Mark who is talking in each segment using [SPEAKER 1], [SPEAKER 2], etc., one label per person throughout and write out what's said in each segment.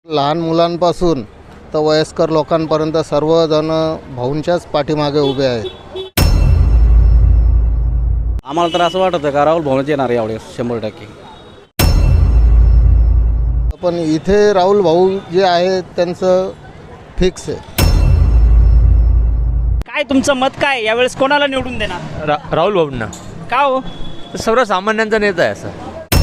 [SPEAKER 1] लहान मुलांपासून तर वयस्कर लोकांपर्यंत सर्वजण भाऊंच्याच पाठीमागे उभे आहेत.
[SPEAKER 2] आम्हाला तर असं वाटतं का राहुल भाऊच येणार यावेळेस 100%.
[SPEAKER 1] पण इथे राहुल भाऊ जे आहे त्यांचं फिक्स आहे.
[SPEAKER 3] काय तुमचं मत काय यावेळेस कोणाला निवडून देणार?
[SPEAKER 4] राहुल भाऊंना.
[SPEAKER 3] का हो?
[SPEAKER 4] सर्वसामान्यांचा नेता आहे असं.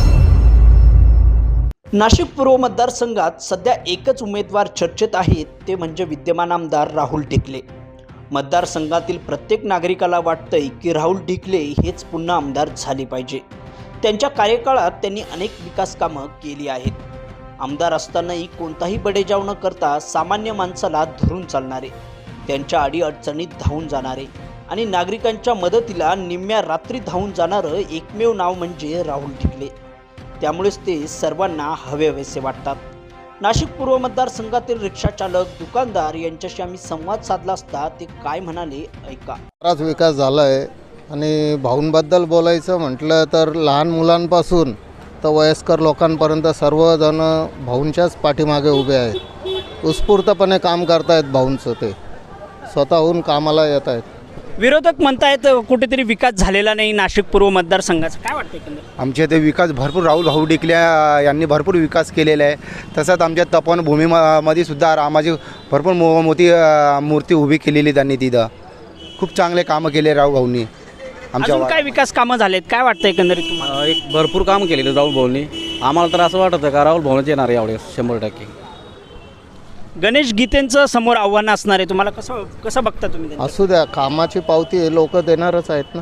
[SPEAKER 5] नाशिक पूर्व मतदारसंघात सध्या एकच उमेदवार चर्चेत आहेत, ते म्हणजे विद्यमान आमदार राहुल ढिकले. मतदारसंघातील प्रत्येक नागरिकाला वाटतंय की राहुल ढिकले हेच पुन्हा आमदार झाले पाहिजे. त्यांच्या कार्यकाळात त्यांनी अनेक विकास कामं केली आहेत. आमदार असतानाही कोणताही बडेजाव न करता सामान्य माणसाला धरून चालणारे, त्यांच्या अडीअडचणीत धावून जाणारे आणि नागरिकांच्या मदतीला निम्म्या रात्री धावून जाणारं एकमेव नाव म्हणजे राहुल ढिकले. त्यामुळेच ते सर्वांना हवेहवेसे वाटतात. नाशिक पूर्व मतदारसंघातील रिक्षाचालक, दुकानदार यांच्याशी आम्ही संवाद साधला असता ते काय म्हणाले ऐका.
[SPEAKER 1] बराच विकास झाला आहे आणि भाऊंबद्दल बोलायचं म्हटलं तर लहान मुलांपासून तर वयस्कर लोकांपर्यंत सर्वजण भाऊंच्याच पाठीमागे उभे आहेत. उत्स्फूर्तपणे काम करतायत भाऊंचं, ते स्वतःहून कामाला येत आहेत.
[SPEAKER 3] विरोधक म्हणतायत कुठेतरी विकास झालेला नाही नाशिक पूर्व मतदारसंघाचा. काय वाटतं एकंदरीत?
[SPEAKER 6] आमच्या इथे विकास भरपूर राहुल भाऊ ढिकले यांनी भरपूर विकास केलेला आहे. तसंच आमच्या तपोवनभूमीमध्ये सुद्धा रामाची भरपूर मोठी मूर्ती उभी केलेली त्यांनी. तिथं खूप चांगले कामं केले राहुल भाऊंनी. आमच्या
[SPEAKER 3] अजून काय विकास कामं झालेत? काय वाटतं एकंदरीत तुम्हाला?
[SPEAKER 2] एक भरपूर काम केलेलं राहुल भाऊंनी. आम्हाला तर असं वाटतं का राहुल भाऊच येणार यावेळेस 100%.
[SPEAKER 3] गणेश गीतेंचं समोर आव्हान असणार आहे, तुम्हाला कसं बघता तुम्ही त्यांचं?
[SPEAKER 1] असू द्या, कामाची पावती हे लोक देणारच आहेत ना.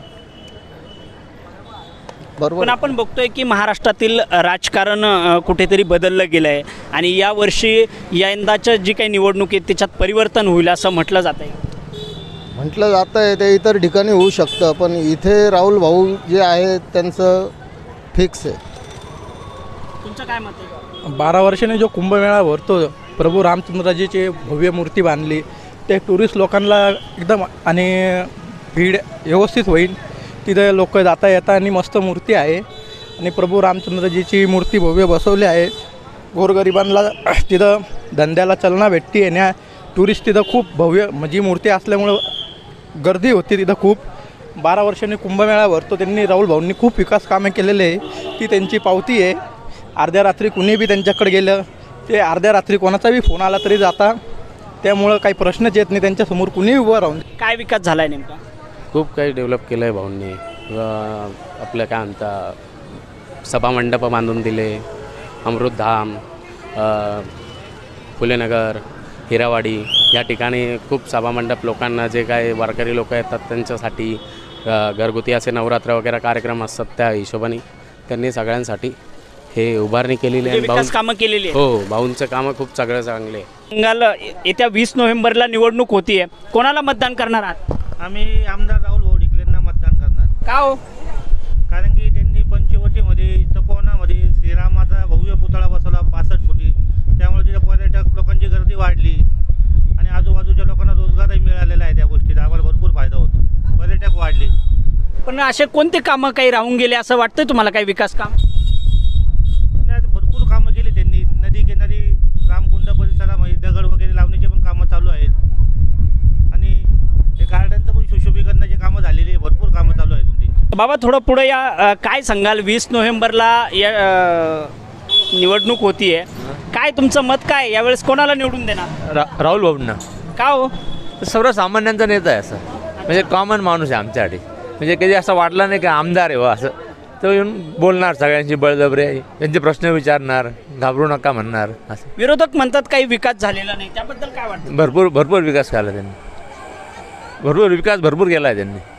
[SPEAKER 1] बरोबर.
[SPEAKER 3] पण आपण बघतोय की महाराष्ट्रातील राजकारण कुठेतरी बदललं गेलं आहे आणि यावर्षी यंदाच्या जी काही निवडणूक आहे त्याच्यात परिवर्तन होईल असं म्हटलं जात आहे.
[SPEAKER 1] म्हटलं जातं आहे ते इतर ठिकाणी होऊ शकतं, पण इथे राहुल भाऊ जे आहे त्यांचं फिक्स आहे.
[SPEAKER 3] तुमचं काय मत आहे?
[SPEAKER 7] 12 वर्षांनी जो कुंभमेळा भरतो, प्रभू रामचंद्रजीची भव्य मूर्ती बांधली, ते टुरिस्ट लोकांना एकदम आणि भीड व्यवस्थित होईल. तिथं लोक जाता येता आणि मस्त मूर्ती आहे आणि प्रभू रामचंद्रजीची मूर्ती भव्य बसवली आहे. गोरगरिबांना तिथं धंद्याला चालना भेटते. येण्या टुरिस्ट तिथं खूप भव्य म्हणजे मूर्ती असल्यामुळं गर्दी होती तिथं खूप. 12 वर्षांनी कुंभमेळा भरतो, त्यांनी राहुल भाऊंनी खूप विकास कामे केलेले आहे. ती त्यांची पावती आहे. अर्ध्या रात्री कुणी बी त्यांच्याकडे गेलं, ते अर्ध्या रात्री कोणाचाही फोन आला तरी जाता. त्यामुळं काही प्रश्नच येत नाही त्यांच्यासमोर कुणीही उभं राहून.
[SPEAKER 3] काय विकास झाला आहे नेमका?
[SPEAKER 4] खूप काही डेव्हलप केलं आहे भाऊंनी. आपलं काय म्हणता, सभामंडपं बांधून दिले, अमृतधाम, फुलेनगर, हिरावाडी या ठिकाणी खूप सभामंडप लोकांना, जे काय वारकरी लोक येतात त्यांच्यासाठी घरगुती असे नवरात्र वगैरे कार्यक्रम असतात, त्या हिशोबाने त्यांनी सगळ्यांसाठी हे उभारणी केलेली आहे.
[SPEAKER 3] विकास कामं केलेली आहे.
[SPEAKER 4] हो, भाऊंचं कामं खूप सगळं चांगले आहे.
[SPEAKER 3] बंगाल येत्या 20 नोव्हेंबरला निवडणूक होतीये, कोणाला मतदान करणार आहात?
[SPEAKER 8] आम्ही आमदार राहुल भाऊ ढिकलेंना मतदान करणार.
[SPEAKER 3] का हो?
[SPEAKER 8] कारण की त्यांनी पंचवटीमध्ये, तपोवनामध्ये श्रीरामाचा भव्य पुतळा बसवला 65 फुटी. त्यामुळे तिथे पर्यटक लोकांची गर्दी वाढली आणि आजूबाजूच्या लोकांना रोजगारही मिळालेला आहे. त्या गोष्टीचा आम्हाला भरपूर फायदा होतो, पर्यटक वाढले.
[SPEAKER 3] पण असे कोणते कामं काही राहून गेले असं वाटतंय तुम्हाला? काही विकास काम
[SPEAKER 8] भरपूर कामं केली त्यांनी. नदी किनारी रामकुंड परिसरामध्ये दगड वगैरे लावण्याचे पण कामं चालू आहेत आणि ते गार्डनचं पण सुशोभीकरणाची कामं झालेली आहे. भरपूर कामं चालू आहेत त्यांची.
[SPEAKER 3] बाबा थोडं पुढे या. काय सांगाल, 20 नोव्हेंबरला या निवडणूक होतीये, काय तुमचं मत काय? यावेळेस कोणाला निवडून देणार?
[SPEAKER 4] राहुल भाऊंना.
[SPEAKER 3] का हो?
[SPEAKER 4] सर्वसामान्यांचा नेता आहे असं. म्हणजे कॉमन माणूस आहे आमच्यासाठी. म्हणजे कधी असं वाटलं नाही की आमदार आहे असं. तो येऊन बोलणार सगळ्यांची बळजबरी, त्यांचे प्रश्न विचारणार, घाबरू नका म्हणणार असं.
[SPEAKER 3] विरोधक म्हणतात काही विकास झालेला नाही, त्याबद्दल काय वाटतं?
[SPEAKER 4] भरपूर विकास केला त्यांनी. भरपूर केला आहे त्यांनी.